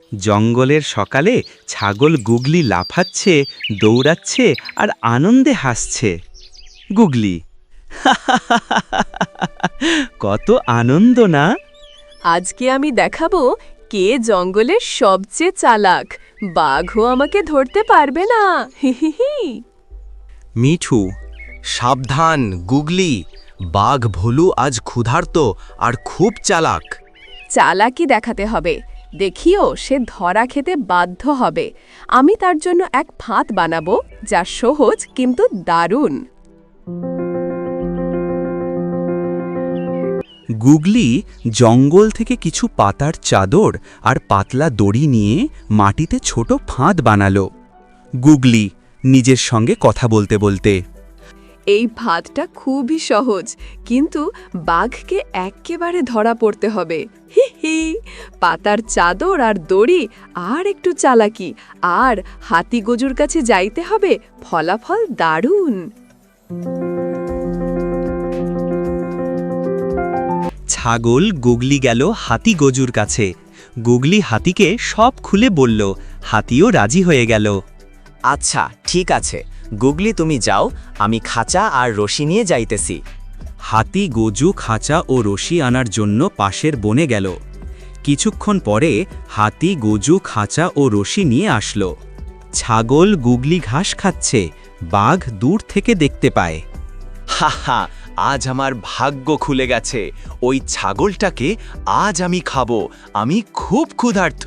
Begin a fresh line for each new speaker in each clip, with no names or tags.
জঙ্গলের সকালে ছাগল গুগলি লাফাচ্ছে, দৌড়াচ্ছে আর আনন্দে হাসছে। গুগলি, কত আনন্দ না?
আজকে আমি দেখাবো কে জঙ্গলের সবচেয়ে চালাক। বাঘও আমাকে ধরতে পারবে না। হিহিহি।
মিঠু,
সাবধান গুগলি, বাঘ ভোলু আজ ক্ষুধার্ত আর খুব চালাক।
চালাকি দেখাতে হবে, দেখিও সে ধরা খেতে বাধ্য হবে। আমি তার জন্য এক ফাঁদ বানাবো যা সহজ কিন্তু দারুণ।
গুগলি জঙ্গল থেকে কিছু পাতার চাদর আর পাতলা দড়ি নিয়ে মাটিতে ছোট ফাঁদ বানালো। গুগলি নিজের সঙ্গে কথা বলতে বলতে,
এই ফাঁদটা খুবই সহজ, কিন্তু বাঘকে এক্কেবারে ধরা পড়তে হবে। হি হি। পাতার চাদর আর দড়ি আর একটু চালাকি, আর হাতি গজুর কাছে যাইতে হবে। ফলাফল দারুণ।
ছাগল গুগলি গেল হাতি গজুর কাছে। গুগলি হাতিকে সব খুলে বলল, হাতিও রাজি হয়ে গেল।
আচ্ছা ঠিক আছে গুগলি, তুমি যাও, আমি খাঁচা আর রশি নিয়ে যাইতেছি।
হাতি গজু খাঁচা ও রশি আনার জন্য পাশের বনে গেল। কিছুক্ষণ পরে হাতি গজু খাঁচা ও রশি নিয়ে আসলো। ছাগল গুগলি ঘাস খাচ্ছে, বাঘ দূর থেকে দেখতে পায়।
হা হা, আজ আমার ভাগ্য খুলে গেছে। ওই ছাগলটাকে আজ আমি খাবো, আমি খুব ক্ষুধার্ত।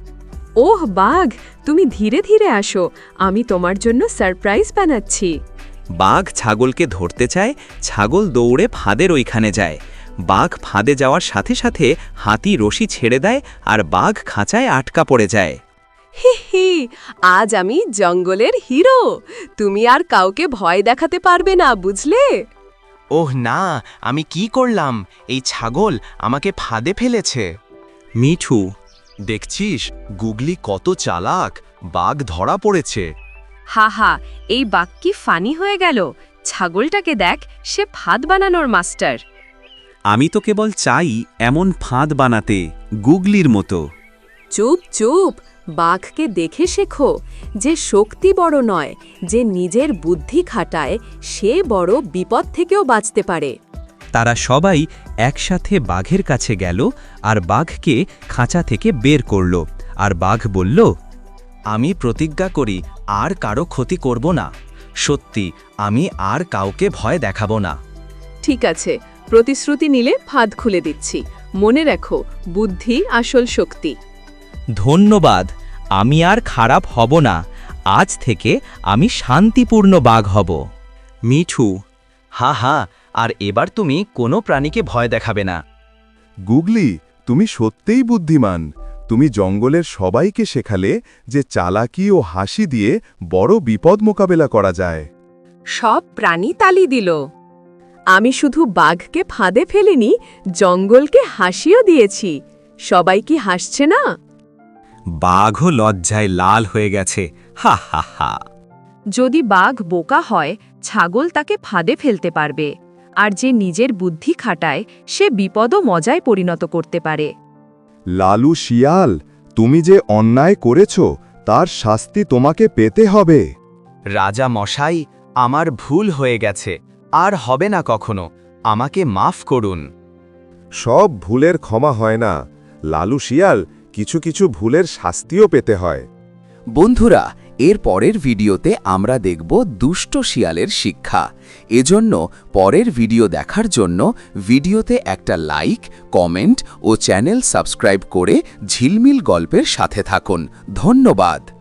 ওহ বাঘ, তুমি ধীরে ধীরে আসো, আমি তোমার জন্য সারপ্রাইজ বানাচ্ছি।
বাঘ ছাগলকে ধরতে চায়, ছাগল দৌড়ে ফাঁদের ওইখানে যায়। বাঘ ফাঁদে যাওয়ার সাথে সাথে হাতি রশি ছেড়ে দেয় আর বাঘ খাঁচায় আটকা পড়ে যায়।
হি হি, আজ আমি জঙ্গলের হিরো। তুমি আর কাউকে ভয় দেখাতে পারবে না, বুঝলে?
ওহ না, আমি কি করলাম? এই ছাগল আমাকে ফাঁদে ফেলেছে।
মিঠু,
দেখছিস গুগলি কত চালাক, বাঘ ধরা পড়েছে।
হা হা, এই বাঘ কি ফানি হয়ে গেল। ছাগলটাকে দেখ, সে ফাঁদ বানানোর মাস্টার।
আমি তো কেবল চাই এমন ফাঁদ বানাতে, গুগলির মতো।
চুপ চুপ, বাঘকে দেখে শেখো। যে শক্তি বড় নয়, যে নিজের বুদ্ধি খাটায়, সে বড় বিপদ থেকেও বাঁচতে পারে।
তারা সবাই একসাথে বাঘের কাছে গেল আর বাঘকে খাঁচা থেকে বের করল। আর বাঘ বলল,
আমি প্রতিজ্ঞা করি আর কারো ক্ষতি করব না। সত্যি, আমি আর কাউকে ভয় দেখাবো না।
ঠিক আছে, প্রতিশ্রুতি নিলে ফাঁদ খুলে দিচ্ছি। মনে রাখো, বুদ্ধি আসল শক্তি।
ধন্যবাদ, আমি আর খারাপ হব না। আজ থেকে আমি শান্তিপূর্ণ বাঘ হব। মিঠু,
হা হা, আর এবার তুমি কোনো প্রাণীকে ভয় দেখাবে না।
গুগলি, তুমি সত্যিই বুদ্ধিমান। তুমি জঙ্গলের সবাইকে শেখালে যে চালাকি ও হাসি দিয়ে বড় বিপদ মোকাবেলা করা যায়।
সব প্রাণী তালি দিল। আমি শুধু বাঘকে ফাঁদে ফেলিনি, জঙ্গলকে হাসিও দিয়েছি। সবাই কি হাসছে না?
বাঘও লজ্জায় লাল হয়ে গেছে। হা হা হা।
যদি বাঘ বোকা হয়, ছাগল তাকে ফাঁদে ফেলতে পারবে। আর যে নিজের বুদ্ধি খাটায়, সে বিপদও মজায় পরিণত করতে পারে।
লালু শিয়াল, তুমি যে অন্যায় করেছ তার শাস্তি তোমাকে পেতে হবে।
রাজা মশাই, আমার ভুল হয়ে গেছে, আর হবে না কখনো। আমাকে মাফ করুন।
সব ভুলের ক্ষমা হয় না লালু শিয়াল, কিছু কিছু ভুলের শাস্তিও পেতে হয়।
বন্ধুরা, এর পরের ভিডিওতে আমরা দেখব দুষ্ট শিয়ালের শিক্ষা। এজন্য পরের ভিডিও দেখার জন্য ভিডিওতে একটা লাইক, কমেন্ট ও চ্যানেল সাবস্ক্রাইব করে ঝিলমিল গল্পের সাথে থাকুন। ধন্যবাদ।